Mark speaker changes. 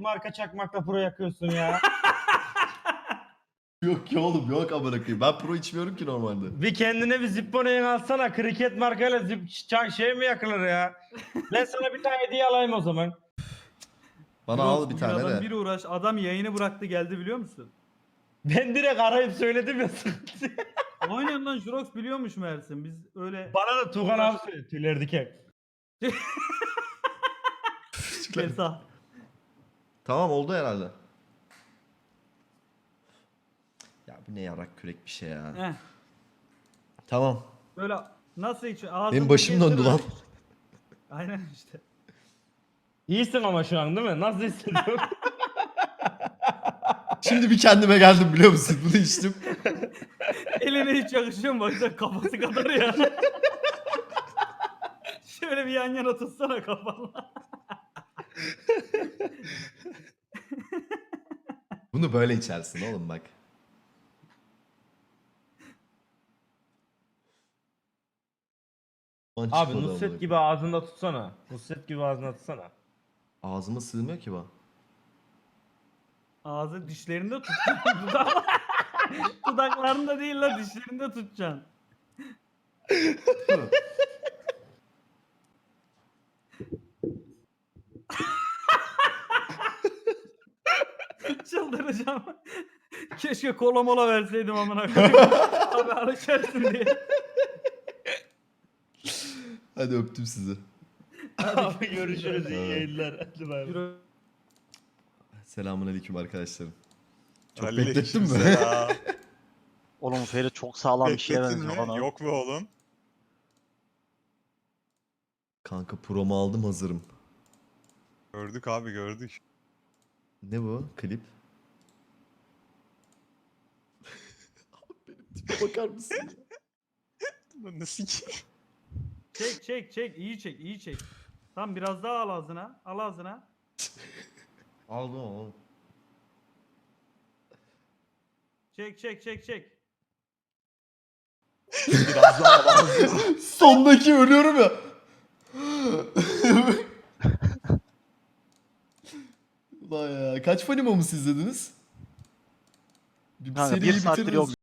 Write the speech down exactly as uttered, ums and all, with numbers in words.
Speaker 1: marka çakmakla pro yakıyorsun ya.
Speaker 2: Yok ki oğlum yok amına koyayım. Ben pro içmiyorum ki normalde.
Speaker 1: Bir kendine bir Zippone'yi alsana. Kriket markayla zip ç- şey mi yakılır ya? Ben sana bir tane hediye alayım o zaman.
Speaker 2: Bana
Speaker 3: Bro,
Speaker 2: al bir
Speaker 3: bugün
Speaker 2: tane
Speaker 3: adam
Speaker 2: de.
Speaker 3: bir uğraş. Adam yayını bıraktı geldi biliyor musun?
Speaker 1: Ben direkt arayıp söyledim ya sıkıntı.
Speaker 3: Aynen lan Jurox biliyormuş Mersin. Biz öyle
Speaker 1: Bana da Tugan abi söyledi tüyler diken.
Speaker 3: Besa.
Speaker 2: Tamam oldu herhalde. Ya bu ne yarak kürek bir şey ya.
Speaker 3: Heh.
Speaker 2: Tamam.
Speaker 3: Böyle nasıl hiç ağzını
Speaker 2: Benim başım
Speaker 3: geçti
Speaker 2: döndü
Speaker 3: böyle.
Speaker 2: lan.
Speaker 3: Aynen işte.
Speaker 1: İyisin ama şu an değil mi? Nasıl hissediyorsun?
Speaker 2: Şimdi bir kendime geldim biliyor musun? Bunu içtim.
Speaker 3: Eline hiç yakışıyor mu? Baksana kafası kadar ya. Şöyle bir yan yana tutsana kafanla.
Speaker 2: Bunu böyle içersin oğlum bak. Lan
Speaker 1: Abi
Speaker 2: çıkmadı
Speaker 1: Nusret
Speaker 2: amına
Speaker 1: gibi
Speaker 2: koyayım.
Speaker 1: ağzında tutsana. Nusret gibi ağzına tutsana.
Speaker 2: Ağzıma sığmıyor ki bu.
Speaker 3: Ağzı dişlerinde tutacaksın. Dudak... Dudaklarında değil la dişlerinde tutacaksın. Çıldıracağım. Keşke kola mola verseydim amına koyayım. Abi alışarsın diye.
Speaker 2: Hadi öptüm sizi.
Speaker 1: Abi görüşürüz iyi
Speaker 2: Evet.
Speaker 1: yayınlar. Hadi bay bay.
Speaker 3: Yürü.
Speaker 2: Selamun aleyküm arkadaşlarım. Çok
Speaker 4: Aleyküm
Speaker 2: beklettin mi?
Speaker 4: selam.
Speaker 5: Oğlum Feri çok sağlam bir şeye
Speaker 4: Bekletin
Speaker 5: benziyor
Speaker 4: mi?
Speaker 5: bana.
Speaker 4: Yok be oğlum.
Speaker 2: Kanka promo aldım hazırım.
Speaker 4: Gördük abi gördük.
Speaker 2: Ne bu? Klip? Benim tipe bakar mısın ya?
Speaker 4: Nasıl ki?
Speaker 3: Çek çek çek iyi çek iyi çek. Tam biraz daha al ağzına. Al ağzına.
Speaker 2: Aldım oğlum.
Speaker 3: Çek çek çek çek.
Speaker 4: Biraz daha lazım.
Speaker 2: Sondaki ölüyorum ya. Ulan ya. Kaç Funny Moments izlediniz? Bir
Speaker 5: Kanka bir
Speaker 2: seriyi
Speaker 5: saattir
Speaker 2: bitirdiniz.
Speaker 5: yok